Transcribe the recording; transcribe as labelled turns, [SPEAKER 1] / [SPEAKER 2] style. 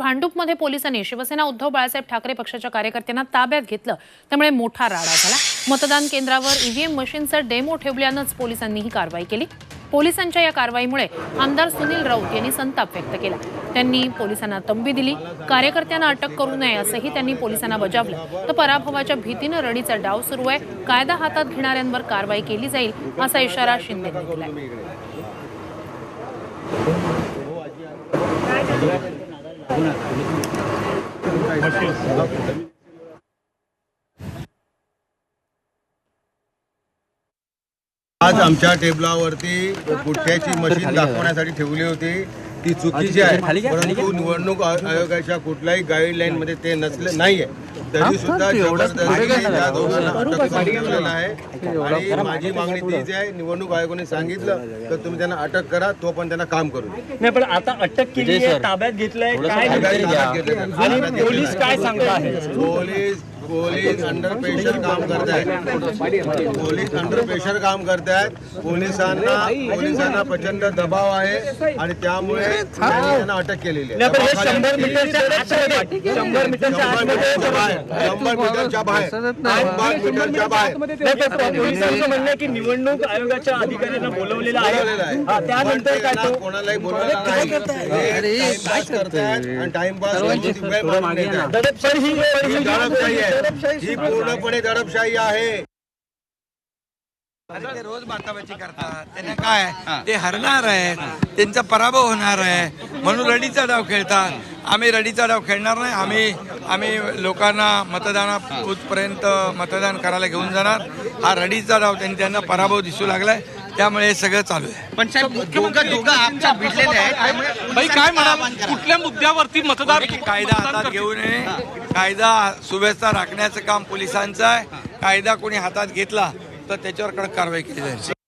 [SPEAKER 1] भांडूपमध्ये पोलिसांनी शिवसेना उद्धव बाळासाहेब ठाकरे पक्षाच्या कार्यकर्त्यांना ताब्यात घेतलं, त्यामुळे मोठा राडा झाला। मतदान केंद्रावर ईव्हीएम मशीनचा डेमो ठेवल्यानंच पोलिसांनी ही कारवाई केली। पोलिसांच्या या कारवाईमुळे आमदार सुनील राऊत यांनी संताप व्यक्त केला। त्यांनी पोलिसांना तंबी दिली। कार्यकर्त्यांना अटक करू नये असंही त्यांनी पोलिसांना बजावलं। तर पराभवाच्या भीतीने रडीचा डाव सुरू आहे, कायदा हातात घेणाऱ्यांवर कारवाई केली जाईल असा इशारा शिंदेंनी दिलाय।
[SPEAKER 2] आज आमच्या टेबलावरती गुटख्याची मशीन दाखवण्यासाठी ठेवली होती, ती चुकीची आहे। परंतु निवडणूक आयोगाच्या कुठल्याही गाईडलाईन मध्ये ते नसले नाहीये, तरी सुद्धा जबरदस्ती त्या दोघांना अटक करण्यात आहे। आणि माझी मागणी तीच आहे, निवडणूक आयोगाने सांगितलं तर तुम्ही त्यांना अटक करा, तो पण त्यांना काम करू
[SPEAKER 3] नाही। पण आता अटक केली आहे, ताब्यात घेतलंय, काय आणि पोलीस काय सांगतात?
[SPEAKER 2] पोलीस अंडर प्रेशर काम करतायत। पोलीस अंडर प्रेशर काम करतायत। पोलिसांना प्रचंड दबाव आहे आणि त्यामुळे त्यांना अटक केलेली आहे।
[SPEAKER 3] 100 मीटरच्या बाहेर पोलिसांचं म्हणणं आहे की निवडणूक आयोगाच्या अधिकाऱ्यांना बोलवलेलं आहे, त्यानंतर काय
[SPEAKER 2] कोणालाही बोलवलेलं नाही करतायत आणि टाइमपास ही पूर्णपणे दडपशाही आहे।
[SPEAKER 4] ते रोज बाताबाची करतात, त्यांना काय ते हरणार आहेत, त्यांचा पराभव होणार आहे म्हणून रडीचा डाव खेळतात। आम्ही रडीचा डाव खेळणार नाही। आम्ही लोकांना मतदानापर्यंत मतदान करायला घेऊन जाणार। हा रडीचा डाव त्यांना पराभव दिसू लागलाय, त्यामुळे हे सगळं चालू आहे।
[SPEAKER 5] पण साहेब दोघं आमच्या भिडलेले आहेत,
[SPEAKER 6] काय म्हणाल, कुठल्या मुद्द्यावरती मतदार
[SPEAKER 4] कायदा हातात घेऊ नये, कायदा सुव्यवस्था राखण्याचं काम पोलिसांचं आहे। कायदा कोणी हातात घेतला तर त्याच्यावर कडक कारवाई केली जाईल।